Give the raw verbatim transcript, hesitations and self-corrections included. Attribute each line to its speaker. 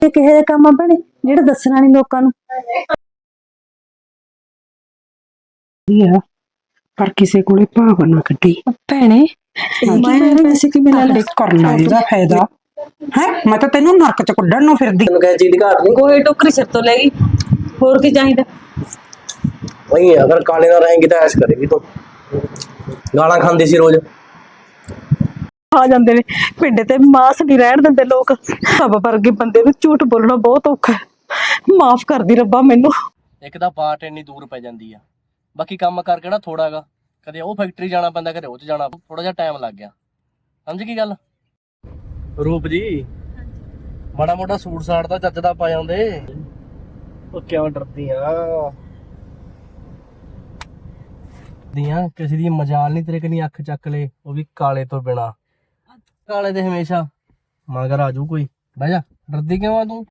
Speaker 1: ਇਹ ਕਿਹੋ ਜਿਹੇ ਕੰਮ ਆ ਭੈਣੇ ਜਿਹੜੇ ਦੱਸਣਾ ਨਹੀਂ ਲੋਕਾਂ ਨੂੰ।
Speaker 2: ਪਰ ਕਿਸੇ ਕੋਲੇ ਭਾਵ ਨਾ ਕੱਢੀ
Speaker 1: ਭੈਣੇ ਮੈਂ ਪੈਸੇ ਕਿਵੇਂ ਲੈ ਲੈ
Speaker 2: ਕਰਨਾ ਇਹਦਾ ਫਾਇਦਾ ਹੈ। ਮੈਂ ਤਾਂ ਤੈਨੂੰ ਨਰਕ ਚ ਕੱਢਣ ਨੂੰ ਫਿਰਦੀ।
Speaker 3: ਤੈਨੂੰ ਕਿਸੇ ਚੀਜ਼ ਦੀ ਘਾਟ ਨਹੀਂ।
Speaker 1: ਕੋਈ ਟੋਕਰੀ ਸਿਰ ਤੋਂ ਲੈ ਗਈ, ਹੋਰ ਕੀ ਚਾਹੀਦਾ।
Speaker 3: ਵਹੀਂ ਅਗਰ ਕਾਲੇ ਨਾਲ ਰਹੇਂਗੀ ਤਾਂ ਐਸ਼ ਕਰੇਗੀ ਤੂੰ। ਗਾਲਾਂ ਖਾਂਦੀ ਸੀ ਰੋਜ਼।
Speaker 1: ਆ ਜਾਂਦੇ ਨੇ ਪਿੰਡ ਤੇ ਮਾਸ ਨਹੀਂ ਰਹਿਣ ਦਿੰਦੇ ਲੋਕ। ਸਭ ਵਰਗੇ ਬੰਦੇ ਨੂੰ ਝੂਠ ਬੋਲਣਾ ਬਹੁਤ ਔਖਾ ਹੈ। ਮਾਫ ਕਰਦੀ ਰੱਬਾ ਮੈਨੂੰ।
Speaker 4: ਇੱਕ ਤਾਂ ਬਾਟ ਇੰਨੀ ਦੂਰ ਪੈ ਜਾਂਦੀ ਆ, ਬਾਕੀ ਕੰਮ ਕਰਕੇ ਨਾ ਥੋੜਾ ਗਾ, ਕਦੇ ਉਹ ਫੈਕਟਰੀ ਜਾਣਾ ਪੈਂਦਾ, ਕਦੇ ਉਹ ਚ ਜਾਣਾ, ਥੋੜਾ ਜਿਹਾ ਟਾਈਮ ਲੱਗ ਗਿਆ। ਸਮਝ ਕੀ ਗੱਲ? ਰੂਪ ਜੀ ਮਾੜਾ ਮੋਟਾ ਸੂਟ ਸਾਟ ਤਾਂ ਚੱਜ ਦਾ ਪਾ ਜਾਂਦੇ। ਉਹ ਕਿਉਂ ਡਰਦੀ ਆ? ਦੀਆਂ ਕਿਸੇ ਦੀ ਮਜਾਲ ਨਹੀਂ ਤੇਰੇ ਕਨੀ ਅੱਖ ਚੱਕ ਲੈ, ਉਹ ਵੀ ਕਾਲੇ ਤੋਂ ਬਿਨਾ। ਕਾਲੇ ਦੇ ਹਮੇਸ਼ਾ ਮਗਰ ਆਜੂ ਕੋਈ। ਬਹਿ ਜਾ, ਡਰਦੀ ਕਿਉਂ ਆ ਤੂੰ?